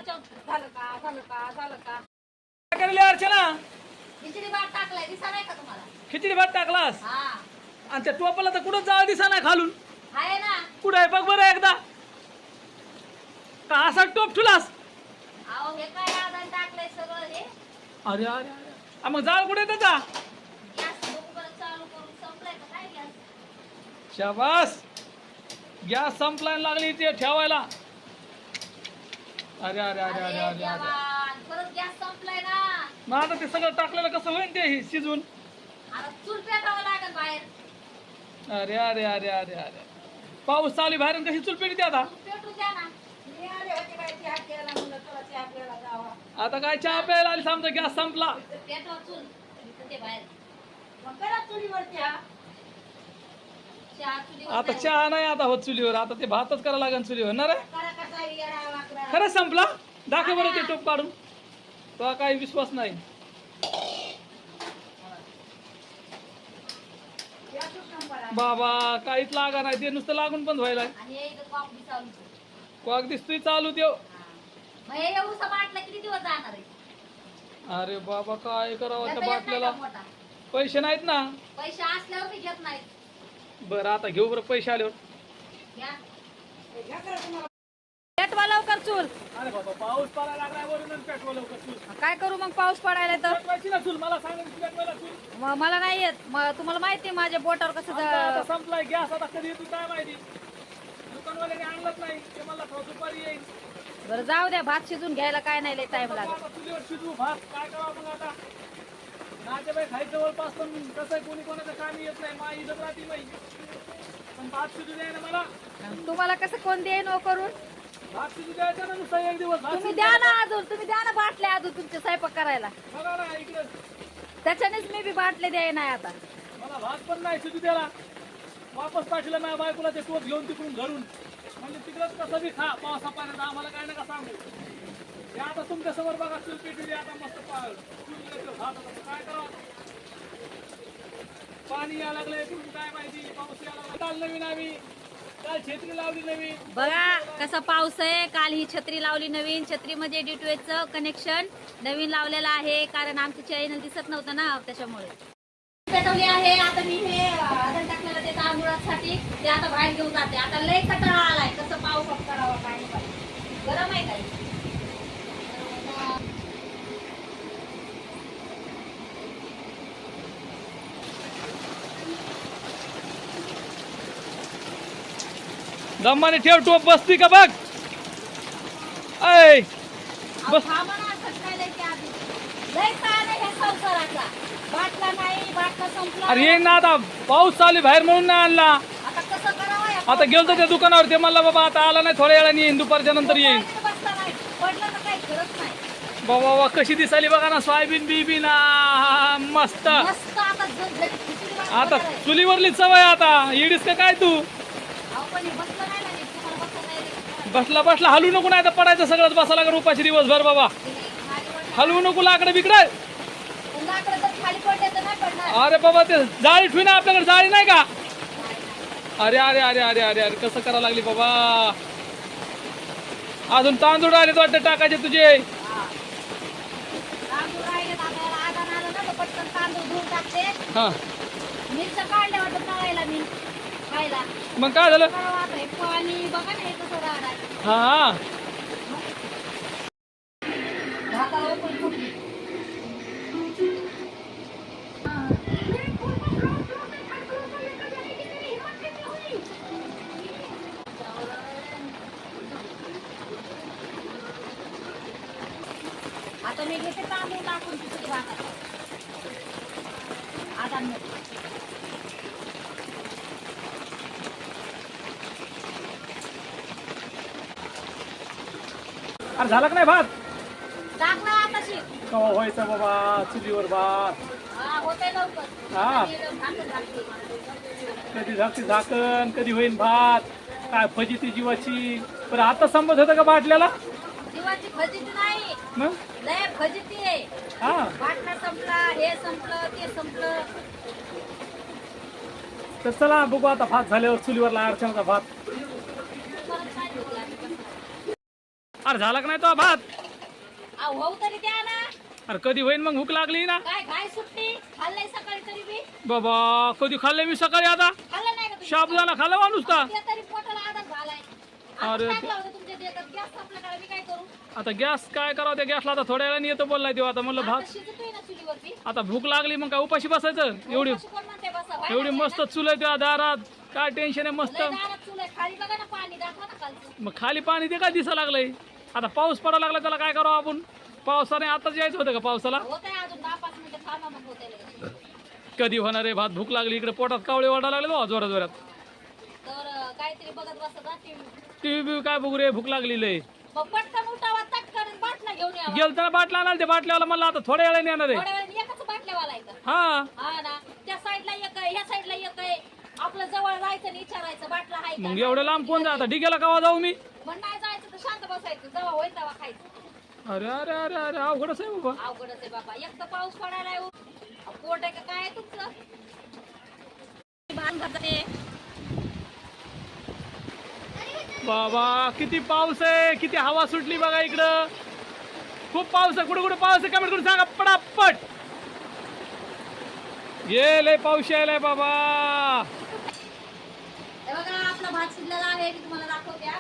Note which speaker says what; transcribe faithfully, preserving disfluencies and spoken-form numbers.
Speaker 1: झालं का झालं का झालं का
Speaker 2: काय करली अर्चना?
Speaker 1: खिचडी भात टाकलाय दिसा नाही का तुम्हाला?
Speaker 2: खिचडी भात टाकलास
Speaker 1: हा
Speaker 2: आणि त्या टोपाला तर कुठं जाळ दिसा नाही खालून.
Speaker 1: आहे ना.
Speaker 2: कुठं आहे बघ बरं एकदा. का असा टोप ठुलास?
Speaker 1: अहो हे काय आधार टाकलंय सगळं हे.
Speaker 2: अरे अरे अरे आ, मग जाळ कुठे त्याचा?
Speaker 1: गॅस बरोबर चालू करून संपलाय का काय गॅस?
Speaker 2: शाबास, गॅस संपलाय लागली ते ठेवायला. अरे अरे अरे अरे अरे
Speaker 1: देवा,
Speaker 2: अरे
Speaker 1: परत गॅस संपलाय ना.
Speaker 2: मग आता ते सगळं टाकलेलं कसं होईल ते हे शिजून?
Speaker 1: आता चूल पेटावं लागेल बाहेर.
Speaker 2: अरे अरे अरे अरे अरे पाऊस चालू बाहेर कशी चूल पेटते आता?
Speaker 1: पेटू द्या ना. मी आले होते काय चहा प्यायला म्हणलं चला चहा प्यायला जावा.
Speaker 2: आता काय चहा प्यायला आली समजा गॅस संपला.
Speaker 1: पेटवा चूल इथं ते बाहेर. मग करा चुलीवर चहा. चहा चुलीवर
Speaker 2: आता
Speaker 1: नाही.
Speaker 2: चहा नाही आता होत चुलीवर. आता ते भातच करावं लागेल चुलीवर ना रे.
Speaker 1: करा कसा येडा वाकडा.
Speaker 2: खरंच संपला? दाखव बरं ते टोप काढून. तो काही विश्वास नाही. बाबा काहीच लागा नाही ते नुसतं लागून बंद व्हायला.
Speaker 1: आणि हे इथं कॉक बी चालू आहे.
Speaker 2: क्वाक दिसतोय चालू देव.
Speaker 1: मग हे एवढं बाटला किती दिवस जाणार आहे?
Speaker 2: अरे बाबा काय करावं त्या
Speaker 1: त्याचा येत नाही
Speaker 2: बाटल्याला?
Speaker 1: का मोठा?
Speaker 2: पैसे नाहीत ना.
Speaker 1: पैसे असल्यावर मी घेत नाही.
Speaker 2: बरं आता घेऊ बरं पैसे आल्यावर.
Speaker 1: घ्या. पेटवा लवकर चूल.
Speaker 2: अरे बाबा पाऊस पडायला लागलाय वरून पेटवा लवकर चूल.
Speaker 1: काय करू मग पाऊस पडायला तर?
Speaker 2: पेटवायची ना चूल मला सांगायची पेटवायला चूल.
Speaker 1: म- मला नाही येत. म- तुम्हाला माहिती आहे माझ्या बोटावर कसं
Speaker 2: आता आता
Speaker 1: ज-
Speaker 2: संपलाय गॅस. आता कधी येतो काय माहिती. दुकानवाल्याने आणलंच नाही ते मला थोडं दुपारी येईल.
Speaker 1: बरं जाऊ द्या. भात शिजून घ्यायला काय नाही लय टाइम लागेल.
Speaker 2: आता चुलीवर शिजवू भात. काय करावं मग आता? नातेवाईक खायचं जवळपास पण कसं आहे कोणी कोणाचं कामी येत नाही. मा इथं राहते बाई पण भात शिजू द्याय ना मला.
Speaker 1: तुम्हाला कसं कोण देईन ओ करून?
Speaker 2: भात शिजू द्यायचा ना नुसता एक दिवस. भात
Speaker 1: तुम्ही
Speaker 2: शिजू
Speaker 1: द्या ना
Speaker 2: द्यायचा.
Speaker 1: अजून. तुम्ही द्या ना बाटल्या अजून तुमचे स्वयंपाक करायला.
Speaker 2: बघा ना इकडे
Speaker 1: त्याच्यानेच मी बी बाटले द्याय नाही आता.
Speaker 2: मला भात पण नाही शिजू द्याला. वापस पाठवलं माझ्या बायकोला ते टोप घेऊन तिकडून घरून. म्हणजे तिकडंच कसं बी खा पावसा पाण्यात आम्हाला काय नका सांगू. हे आता तुमच्या समोर बघा चूल पेटली आता मस्त पा- चूल येतो, भात आता काय करावं? पाणी यायला लागलंय तुम्ही काय माहिती. पाऊस यायला लागला. काल नवीन आम्ही काल छत्री लावली नवीन.
Speaker 1: बघा कसा पाऊस आहे. काल ही छत्री लावली नवीन. छत्रीमध्ये डीटीएचचं कनेक्शन नवीन लावलेलं आहे कारण आमचं चॅनल दिसत नव्हतं ना त्याच्यामुळे. पेटवली आहे. आता मी हे आदन टाकलेलं ते तांदूळासाठी ते आता बाहेर घेऊन जाते. आता लय कटाळा आलाय. कसं पाऊस करावा काय नाही. गरम आहे काय?
Speaker 2: दमाने ठेव टोप बसती का बघ. ऐ बस.
Speaker 1: थांबा ना. सकाळी की आधी लय ताण आहे ह्या संसाराचा. बाटला नाही. बाटला संपला.
Speaker 2: अरे येईन ना आता पाऊस चालू आहे बाहेर म्हणून नाही आणला.
Speaker 1: आता कसं करावं या
Speaker 2: आता गेलो त्या दुकानावर ते म्हणला बाबा आता आला नाही थोड्या वेळाने येईन दुपारच्या नंतर येईन.
Speaker 1: बसता नाही. पडलं तर काही गरज नाही.
Speaker 2: बाबा बाबा कशी दिसाली बघा ना सोयाबीन बीबीन आ, मस्त.
Speaker 1: मस्त आता झणझणीत खिचडी भात
Speaker 2: आता
Speaker 1: बनवणार आहे.
Speaker 2: चुलीवरली सवय आता इडीस का काय तू
Speaker 1: अहो, पण हे बसलं नाही ना नीट. तुम्हाला बसलं नाही रे.
Speaker 2: बसला बसला हलू नको नाही तर पडायचं सगळंच बसा लागेल उपाशी दिवसभर बाबा.
Speaker 1: हे खाली पडलं.
Speaker 2: हलवू नको लाकडं बिकडं.
Speaker 1: पण लाकडं जर खाली पडले तर नाही पडणार.
Speaker 2: अरे बाबा ते जाळी ठेवी ना आपल्याकडे जाळी नाही का? अरे अरे अरे अरे अरे अरे कसं करायला लागली बाबा. अजून तांदूळ आले वाटतं टाकायचे तुझे.
Speaker 1: हा. तांदूळ राहिले तर आता याला आधार आलं ना तर पटकन तांदूळ धुवून टाकते.
Speaker 2: हा
Speaker 1: मिरच्या काढल्या वाटतं तळायला मी खायला.
Speaker 2: मग काय झालं?
Speaker 1: करावं आता हे पाणी बघा ना हे कसं राहणार.
Speaker 2: हा हा
Speaker 1: भातावर पण फुटली. आता मी घेते तांदूळ टाकून तिथे भातात. आता नको.
Speaker 2: अरे झाला का नाही भात?
Speaker 1: टाकला आताशी.
Speaker 2: कवा व्हायचा बाबा चुलीवर भात.
Speaker 1: हा होतंय लवकर.
Speaker 2: हा.
Speaker 1: आणि झाकण टाकते.
Speaker 2: कधी झाकती झाकण कधी होईन भात. काय फजिती जीवाची. बरं आता संपत होतं का बाटल्याला?
Speaker 1: जीवाची फजिती नाही.
Speaker 2: मग
Speaker 1: लय फजिती आहे.
Speaker 2: हा
Speaker 1: बाटला संपला. हे संपलं ते संपलं.
Speaker 2: तर चला बघू आता भात झाल्यावर चुलीवरला अर्चनाचा भात.
Speaker 1: परत काय होते आता?
Speaker 2: अरे झाला का नाही तो भात?
Speaker 1: अहो भाऊ तरी द्या ना.
Speaker 2: अरे कधी होईन मग? भूक लागली ना.
Speaker 1: काय काय सुट्टी खाल्लंय सकाळी तरी बी.
Speaker 2: बाबा कधी खाल्ले मी सकाळी? आता
Speaker 1: खाल्लं नाही का तुम्ही?
Speaker 2: शाबुदाना खाल्ला वा नुसता?
Speaker 1: ते तरी पोटाला आधार झालाय.
Speaker 2: अरे
Speaker 1: आता
Speaker 2: ते-
Speaker 1: टाकलं होतं तुमच्या देतात गॅस संपल्याकडे मी काय करू?
Speaker 2: आता गॅस काय करावं? त्या गॅसला आता थोड्या वेळाने येतो बोललाय तेव्हा. आता म्हणलं
Speaker 1: आता
Speaker 2: भात
Speaker 1: शिजतोय ना चुलीवरती.
Speaker 2: आता भूक लागली मग काय उपाशी बसायचं? एवढी
Speaker 1: उपाशी कोण म्हणते बसा? व्हाय
Speaker 2: एवढी
Speaker 1: ना,
Speaker 2: मस्त चुल आहे त्या दारात, काय टेन्शन आहे मस्त.
Speaker 1: लय दारात चूल आहे. खाली बघा ना पाणी दाखवा ना खालचं.
Speaker 2: मग खाली पाणी ते काय दिसा लागलंय? आता पाऊस पडायला लागला त्याला काय करावं आपण? पावसाने आताच यायचं होतं का पावसाला?
Speaker 1: होत आहे अजून दहा पाच मिनिटं थांबा मग होते लगेच.
Speaker 2: कधी होणार आहे भात? भूक लागली इकडे पोटात कावळे वाढायला लागले बा जोरात जोरात.
Speaker 1: तर अं, काहीतरी बघत बसत जा टीव्ही.
Speaker 2: टीव्ही बिव्ही काय बघू रे? भूक लागली लय.
Speaker 1: मग पटकन उठावा तटकन बाटला घेऊन यावा.
Speaker 2: गेलताना बाटला आणाल ते बाटल्यावाला म्हणलं आता थोड्या वेळाने येणार आहे.
Speaker 1: थोड्या वेळाने एकच बाटल्यावाला आहे का?
Speaker 2: हा
Speaker 1: हा ना. त्या साईडला एक आहे ह्या साईडला एक आहे. आपलं जवळ जायचं आणि विचारायचं बाटला आहे का?
Speaker 2: मग एवढं लांब कोण जाता? डिग्याला कवा जाऊ मी?
Speaker 1: पण नाही जायचं तर शांत बसायचं. जेव्हा होईल तेव्हा खायचं.
Speaker 2: अरे अरे अरे अरे अवघडच आहे बाबा.
Speaker 1: अवघडच आहे बाबा. एक तर पाऊस पडायला आहे. अहो, पोट आहे का काय आहे तुमचं? भान भरते.
Speaker 2: बाबा किती पाऊस आहे, किती हवा सुटली बघा इकडं. खूप पाऊस आहे. कुठे कुठे पाऊस आहे कमेंट करून सांगा पटापट. ये लय पाऊस यायलाय बाबा.
Speaker 1: हे बघा आपला भात शिजलेला आहे. मी तुम्हाला दाखवते.